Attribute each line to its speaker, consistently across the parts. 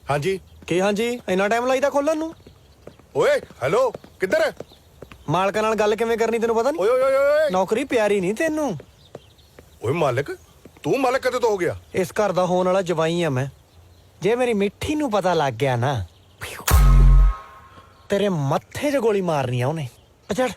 Speaker 1: हाँ जी
Speaker 2: ਕੀ ਹਾਂਜੀ ਇੰਨਾ ਟਾਈਮ ਲਾਈਦਾ ਖੋਲਣ ਨੂੰ?
Speaker 1: ओए हेलो किधर है
Speaker 2: ਮਾਲਕਾਂ ਨਾਲ ਗੱਲ ਕਿਵੇਂ ਕਰਨੀ ਤੈਨੂੰ ਪਤਾ
Speaker 1: ओए
Speaker 2: ਨਹੀਂ?
Speaker 1: ओए ओए ओए
Speaker 2: ਨੌਕਰੀ ਪਿਆਰੀ ਨਹੀਂ ਤੈਨੂੰ।
Speaker 1: ओए मालिक तू मालिक कदे तो हो गया
Speaker 2: ਇਸ ਘਰ ਦਾ ਹੋਣ ਵਾਲਾ ਜਵਾਈ ਆ ਮੈਂ। ਜੇ ਮੇਰੀ ਮਿੱਠੀ ਨੂੰ ਪਤਾ ਲੱਗ ਗਿਆ ਨਾ ਤੇਰੇ ਮੱਥੇ 'ਚ ਗੋਲੀ ਮਾਰਨੀ ਆ ਉਹਨੇ। ਚੜ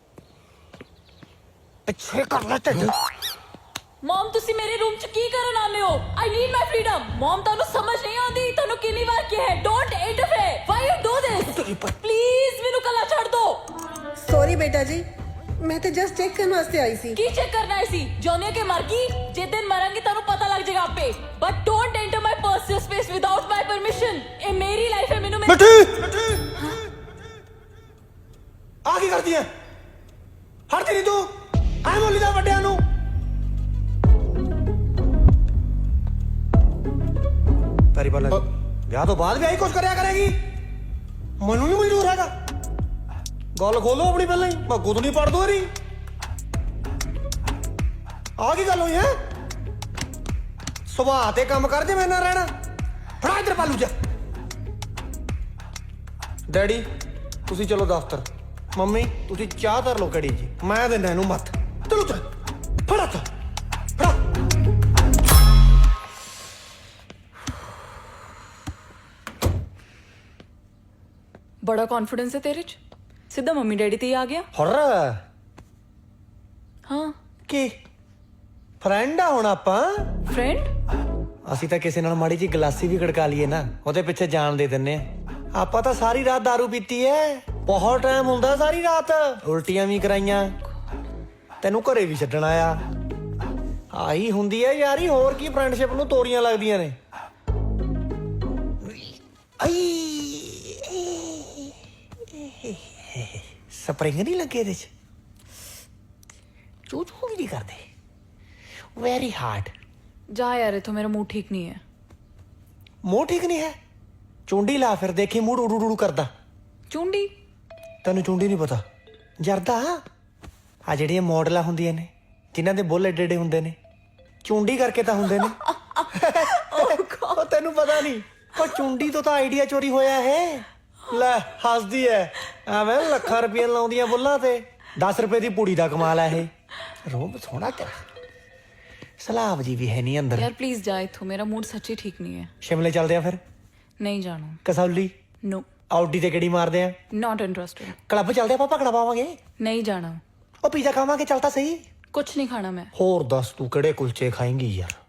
Speaker 2: ਪਿੱਛੇ ਕਰ ਲੈ ਢਿੱਡ।
Speaker 3: ਮਮ ਤੁਸੀਂ ਮੇਰੇ ਰੂਮ 'ਚ ਕੀ ਕਰਨ ਆਉਂਦੇ ਹੋ? I need my freedom. ਮਮ ਤੁਹਾਨੂੰ ਸਮਝ ਨਹੀਂ ਆਉਂਦੀ? ਤੁਹਾਨੂੰ ਕਿੰਨੀ ਵਾਰ ਕਿਹਾ ਹੈ don't interfere. Why you do this? Please ਮੈਨੂੰ ਕੱਲਾ ਛੱਡ ਦੋ।
Speaker 4: ਸੌਰੀ ਬੇਟਾ ਜੀ, ਮੈਂ ਤਾਂ ਜਸਟ ਚੈੱਕ ਕਰਨ ਵਾਸਤੇ ਆਈ ਸੀ।
Speaker 3: ਕੀ ਚੈੱਕ ਕਰਨਾ ਸੀ? ਜੋਨੀਆ ਕੇ ਮਰ ਗਈ? ਜੇ ਦਿਨ ਮਰਾਂਗੀ ਤੁਹਾਨੂੰ ਪਤਾ ਲੱਗ ਜਾਏਗਾ ਆਪੇ। But don't enter my personal space without my permission. ਇਹ ਮੇਰੀ ਲਾਈਫ ਹੈ। ਮੈਨੂੰ
Speaker 2: ਮਿੱਠੀ ਆ ਕੀ ਕਰਦੀ ਐ? ਹਟਦੀ ਨਹੀਂ ਤੂੰ। ਐ ਬੋਲੀ ਦਾ ਵੱਡਿਆਂ ਨੂੰ। ਤੇਰੀ ਬਾਲ ਵਿਆਹ ਤੋਂ ਬਾਅਦ ਵੀ ਆਹੀ ਕੁਝ ਕਰਿਆ ਕਰੇਗੀ? ਮੈਨੂੰ ਨਹੀਂ ਮਨਜ਼ੂਰ ਹੈਗਾ। ਗੱਲ ਖੋਲੋ ਆਪਣੀ ਪਹਿਲਾਂ ਹੀ। ਮੈਂ ਗੁੱਦ ਨਹੀਂ ਪੜ ਦੋ ਰਹੀ। ਆ ਕੀ ਗੱਲ ਹੋਈ ਹੈ? ਸੁਭਾਅ ਤੇ ਕੰਮ ਕਰ ਜੇ ਮੇਰੇ ਨਾਲ ਰਹਿਣਾ। ਫੜਾ ਇੱਧਰ ਪਾਲੂ ਜਾ। ਡੈਡੀ ਤੁਸੀਂ ਚਲੋ ਦਫ਼ਤਰ। ਮੰਮੀ ਤੁਸੀਂ ਚਾਹ ਧਰ ਲਓ ਕੜੀ ਜੀ। ਮੈਂ ਦਿੰਦਾ ਇਹਨੂੰ ਮੱਤ। ਚਲੋ ਚੱਲ ਫੜਾ ਤਾ ਫੜਾ।
Speaker 3: ਬੜਾ ਕੌਨਫੀਡੈਂਸ ਹੈ ਤੇਰੇ 'ਚ। ਸਿੱਧਾ ਮੰਮੀ ਡੈਡੀ ਤੇ ਹੀ ਆ ਗਿਆ।
Speaker 2: ਹੁਰ
Speaker 3: ਹਾਂ
Speaker 2: ਕੀ ਫਰੈਂਡ ਆ ਹੁਣ ਆਪਾਂ?
Speaker 3: ਫਰੈਂਡ?
Speaker 2: ਅਸੀਂ ਤਾਂ ਕਿਸੇ ਨਾਲ ਮਾੜੀ ਜੀ ਗਲਾਸੀ ਵੀ ਖੜਕਾ ਲਈਏ ਨਾ ਉਹਦੇ ਪਿੱਛੇ ਜਾਨ ਦੇ ਦਿੰਨੇ ਆ। ਆਪਾਂ ਤਾਂ ਸਾਰੀ ਰਾਤ ਦਾਰੂ ਪੀਤੀ ਐ। ਬਹੁਤ ਟਾਈਮ ਹੁੰਦਾ ਸਾਰੀ ਰਾਤ। ਉਲਟੀਆਂ ਵੀ ਕਰਾਈਆਂ। ਤੈਨੂੰ ਘਰੇ ਵੀ ਛੱਡਣ ਆਇਆ। ਆਹੀ ਹੁੰਦੀ ਐ ਯਾਰੀ। ਹੋਰ ਕੀ ਫਰੈਂਡਸ਼ਿਪ ਨੂੰ ਤੋਰੀਆਂ ਲੱਗਦੀਆਂ ਨੇ। ਆਈ ਸਪਰਿੰਗ ਨਹੀਂ ਲੱਗੇ ਇਹਦੇ ਚ। ਚੂ ਚੂ ਵੀ ਨਹੀਂ ਕਰਦੇ। Very hard.
Speaker 3: ਜਾ ਯਾਰ ਇਥੋਂ, ਮੇਰਾ ਮੂਡ ਠੀਕ ਨਹੀਂ ਹੈ।
Speaker 2: ਮੂੰਹ ਠੀਕ ਨਹੀਂ ਹੈ? ਚੁੰਡੀ ਲਾ ਫਿਰ ਦੇਖੀ ਮੂਡ ਉਡੂ ਉਡੂ ਕਰਦਾ।
Speaker 3: ਚੁੰਡੀ?
Speaker 2: ਤੈਨੂੰ ਚੁੰਡੀ ਨਹੀਂ ਪਤਾ? ਜਰਦਾ ਆ ਜਿਹੜੀਆਂ ਮਾਡਲਾਂ ਹੁੰਦੀਆਂ ਨੇ ਜਿਨ੍ਹਾਂ ਦੇ ਬੁੱਲ ਏਡੇ ਏਡੇ ਹੁੰਦੇ ਨੇ, ਚੁੰਡੀ ਕਰਕੇ ਤਾਂ ਹੁੰਦੇ ਨੇ। ਉਹ ਤੈਨੂੰ ਪਤਾ ਨਹੀਂ? ਉਹ ਚੁੰਡੀ ਤੋਂ ਤਾਂ ਆਈਡੀਆ ਚੋਰੀ ਹੋਇਆ ਹੈ। ਲੈ ਹੱਸਦੀ ਐ। ਐਵੇਂ ਲੱਖਾਂ ਰੁਪਏ ਲਾਉਂਦੀਆਂ ਬੁੱਲਾਂ ਤੇ। 10 ਰੁਪਏ ਦੀ ਪੂੜੀ ਦਾ ਕਮਾਲ ਹੈ ਇਹ। ਰੋਬ ਸੋਹਣਾ ਤੇਰਾ। ਸਲਾਬ ਜੀ ਵੀ ਹੈ ਨਹੀਂ ਅੰਦਰ।
Speaker 3: ਯਾਰ ਪਲੀਜ਼ ਜਾ ਇਥੋਂ, ਮੇਰਾ ਮੂਡ ਸੱਚੀ ਠੀਕ ਨਹੀਂ ਹੈ।
Speaker 2: ਸ਼ਿਮਲੇ ਚੱਲਦੇ ਆ ਫਿਰ।
Speaker 3: ਨਹੀਂ ਜਾਣਾ।
Speaker 2: ਕਸੌਲੀ
Speaker 3: ਨੋ
Speaker 2: ਆਊਡੀ ਤੇ ਕਿਹੜੀ ਮਾਰਦੇ ਆ?
Speaker 3: Not interested.
Speaker 2: ਕਲੱਬ ਚੱਲਦੇ ਆਪਾਂ ਭਗੜਾ ਪਾਵਾਂਗੇ।
Speaker 3: ਨਹੀਂ ਜਾਣਾ।
Speaker 2: ਉਹ ਪੀਜ਼ਾ ਖਾਵਾਂਗੇ। ਚੱਲ ਤਾਂ ਸਹੀ।
Speaker 3: ਕੁਛ ਨਹੀਂ ਖਾਣਾ ਮੈਂ।
Speaker 2: ਹੋਰ ਦੱਸ ਤੂੰ ਕਿਹੜੇ ਕੁਲਚੇ ਖਾਏਂਗੀ ਯਾਰ?